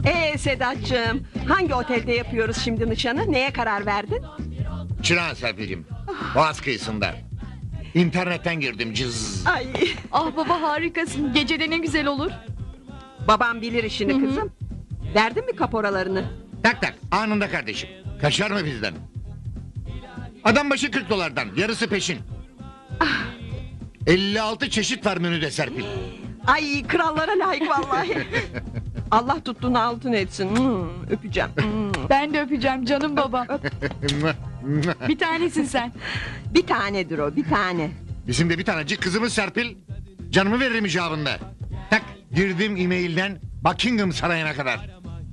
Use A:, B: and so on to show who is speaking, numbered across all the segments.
A: Sedat'cığım, hangi otelde yapıyoruz şimdi nişanı? Neye karar verdin?
B: Çırağan Serpil'cim. Boğaz kıyısında. İnternetten girdim cız.
A: Ay,
C: Ah baba harikasın. Gecede ne güzel olur.
A: babam bilir işini kızım. Verdin mi kaporalarını?
B: Tak tak anında kardeşim. Kaçar mı bizden? Adam başı 40 dolardan yarısı peşin. 56 çeşit var menüde Serpil.
A: Ay, krallara layık vallahi. Allah tuttuğunu altın etsin. Öpeceğim.
C: Ben de öpeceğim canım baba. Bir tanesin sen.
A: Bir tanedir o, bir tane.
B: Bizim de bir tanecik kızımız Serpil. Canımı veririm icabında. Tak girdim e-mailden Buckingham Sarayı'na kadar.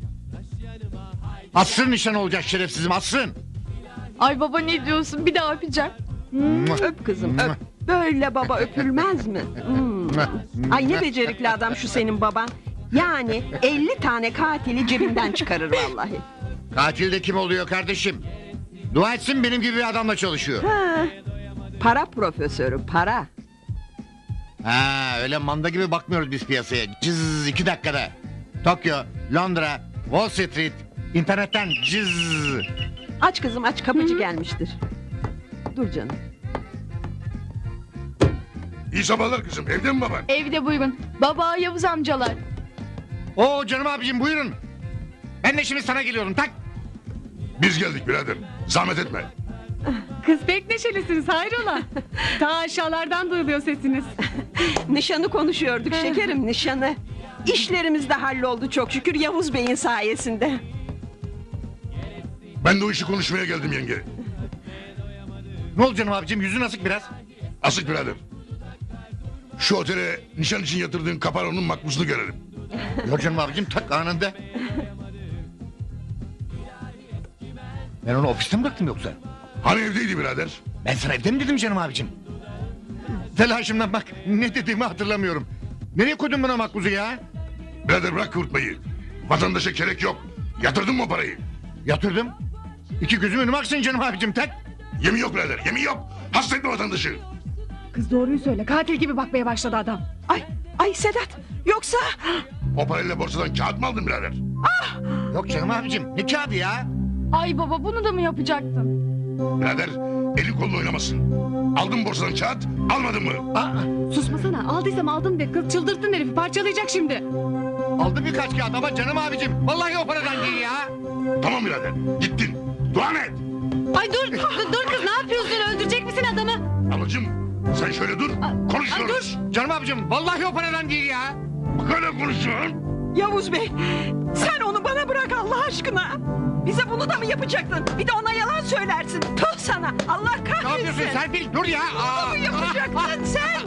B: Asrın nişan olacak şerefsizim asrın.
C: Ay baba ne diyorsun? Bir daha öpeceğim.
A: Öp kızım, öp. Böyle baba öpülmez mi? Ay, ne becerikli adam şu senin baban. Yani 50 tane katili cebinden çıkarır vallahi.
B: Katil de kim oluyor kardeşim? Dua etsin benim gibi bir adamla çalışıyor.
A: Ha, para profesörü, para.
B: Ha öyle manda gibi bakmıyoruz biz piyasaya. Cız 2 dakikada. Tokyo, Londra, Wall Street, internetten cız.
A: Aç kızım aç, kapıcı gelmiştir. Dur canım.
D: İyi sabahlar kızım. Evde mi baban?
C: Evde buyurun. Baba Yavuz amcalar.
B: Oo canım abicim buyurun. Ben de şimdi sana geliyorum tak.
D: Biz geldik birader. Zahmet etme.
E: Kız pek neşelisiniz hayrola? Ta aşağılardan duyuluyor sesiniz.
A: Nişanı konuşuyorduk şekerim, nişanı. İşlerimiz de halloldu çok şükür Yavuz Bey'in sayesinde.
D: Ben de o işi konuşmaya geldim yenge.
B: Ne oldu canım abicim yüzün asık biraz.
D: Asık birader. Şu otele nişan için yatırdığın kaparonun makbuzunu görelim.
B: Yok canım abicim tak anında. Ben onu ofiste mi bıraktım yoksa?
D: Hani evdeydi birader?
B: Ben sana evde mi dedim canım abicim? Telaşımdan bak ne dediğimi hatırlamıyorum. Nereye koydun bana makbuzu ya?
D: Birader bırak kıvırtmayı. Vatandaşa gerek yok. Yatırdın mı o parayı?
B: Yatırdım. İki gözüm önüme aksın canım abicim tak.
D: Yemin yok birader. Yemin yok. Hasta etme vatandaşı.
E: Kız doğruyu söyle, katil gibi bakmaya başladı adam.
A: Ay Sedat, yoksa...
D: O parayla borsadan kağıt mı aldın birader?
B: Yok canım abicim ne kağıdı ya?
C: Ay baba bunu da mı yapacaktın?
D: Birader elin kolun oynamasın. Aldın borsadan kağıt almadın mı?
E: Susmasana, aldıysam aldım de, kız çıldırttın herifi, parçalayacak şimdi.
B: Aldım birkaç kağıt ama canım abicim. Vallahi o paradan değil ya.
D: Tamam birader gittin. Dua et.
E: Ay dur kız, ne yapıyorsun, öldürecek misin adamı?
D: Ablacığım sen şöyle dur. Konuşuyoruz.
B: Canım abicim vallahi o paradan değil ya.
D: Böyle konuşuyorsun.
A: Yavuz Bey, sen onu bana bırak Allah aşkına. Bize bunu da mı yapacaktın? Bir de ona yalan söylersin. Tüh sana, Allah kahretsin.
B: Ne yapıyorsun Serpil dur ya.
A: Bunu mu yapacaktın sen?